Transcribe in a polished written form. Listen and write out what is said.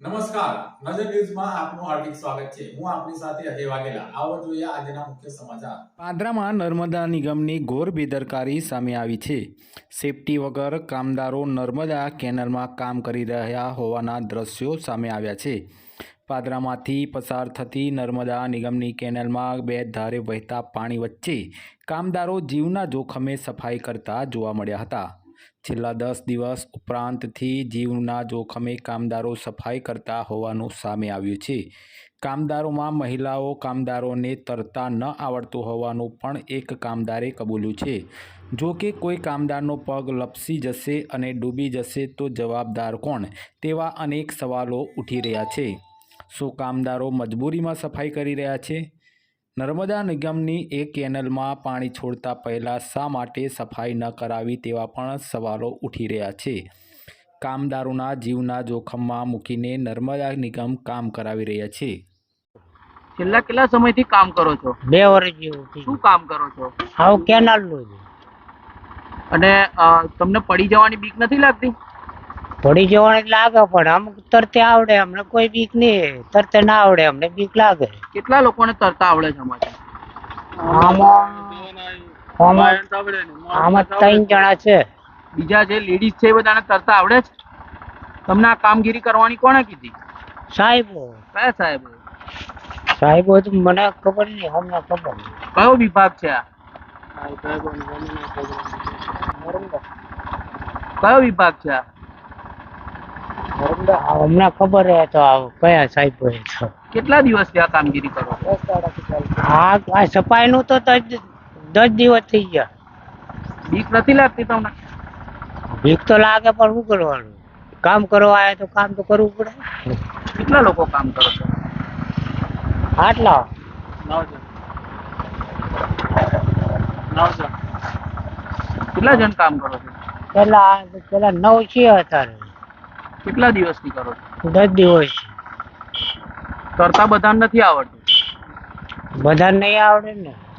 નમસ્કાર, નજર ન્યૂઝમાં આપનું હાર્દિક સ્વાગત છે. હું આપની સાથે અજય વાઘેલા. આવો જોઈએ આજના મુખ્ય સમાચાર. પાદરામાં નર્મદા નિગમની ઘોર બેદરકારી સામે આવી છે. સેફટી વગર કામદારો નર્મદા કેનાલમાં કામ કરી રહ્યા હોવાના દ્રશ્યો સામે આવ્યા છે. પાદરામાંથી પસાર થતી નર્મદા નિગમની કેનાલમાં બે ધારે વહેતા પાણી વચ્ચે કામદારો જીવના જોખમે સફાઈ કરતા જોવા મળ્યા હતા. છેલ્લા 10 દિવસ ઉપરાંતથી જીવના જોખમે કામદારો સફાઈ કરતા હોવાનું સામે આવ્યું છે. કામદારોમાં મહિલાઓ કામદારોને તરતા ન આવડતું હોવાનું પણ એક કામદારે કબૂલ્યું છે. જો કે કોઈ કામદારનો પગ લપસી જશે અને ડૂબી જશે તો જવાબદાર કોણ? તેવા અનેક સવાલો ઉઠી રહ્યા છે. શું કામદારો મજબૂરીમાં સફાઈ કરી રહ્યા છે? નર્મદા નિગમની એક કેનાલમાં પાણી છોડતા પહેલાં શા માટે સફાઈ ન કરાવી તેવા પણ સવાલો ઉઠી રહ્યા છે. કામદારોના જીવના જોખમમાં મૂકીને નર્મદા નિગમ કામ કરાવી રહ્યા છે. છેલ્લા કેટલા સમયથી કામ કરો છો? 2 વર્ષ જેવું થયું. શું કામ કરો છો? આવું કેનાલનું જ. અને તમને પડી જવાની બીક નથી લાગતી? પડી જવાની લાગે પણ અમુક તરતે આવડે, અમને કોઈ બીક નહીં. તરતે ના આવડે, અમને બીક લાગે. કેટલા લોકોને તરતા આવડે છે આમાંથી? આમાં 3 જણા છે. બીજા જે લેડીઝ છે એ બધાને તરતા આવડે છે? તમને આ કામગીરી કરવાની કોણે કીધી? સાહેબો કયા સાહેબ? સાહેબો તો મને ખબર નહીં, અમને ખબર નહીં. કયો વિભાગ છે આ? કયો વિભાગ છે આ? અમને ખબર હે તો કયા સાહેબો હે તો. કેટલા દિવસથી આ કામગીરી કરો છો? આ સફાઈનું તો 10 દિવસ થઈ ગયા. બીક નથી લાગતી તમને? બીક તો લાગે પણ શું કરવાનું? કામ કરવા આવ્યા તો કામ તો કરવું પડે. કેટલા લોકો કામ કરો છો? આટલા 9 જણ. 9 જણ. કેટલા જણ કામ કરો છો? પેલા 9 છે અત્યારે. કેટલા દિવસથી કરો છો? 10 દિવસ. તરતા બધાને નથી આવડતું? બધા નહીં આવડે ને.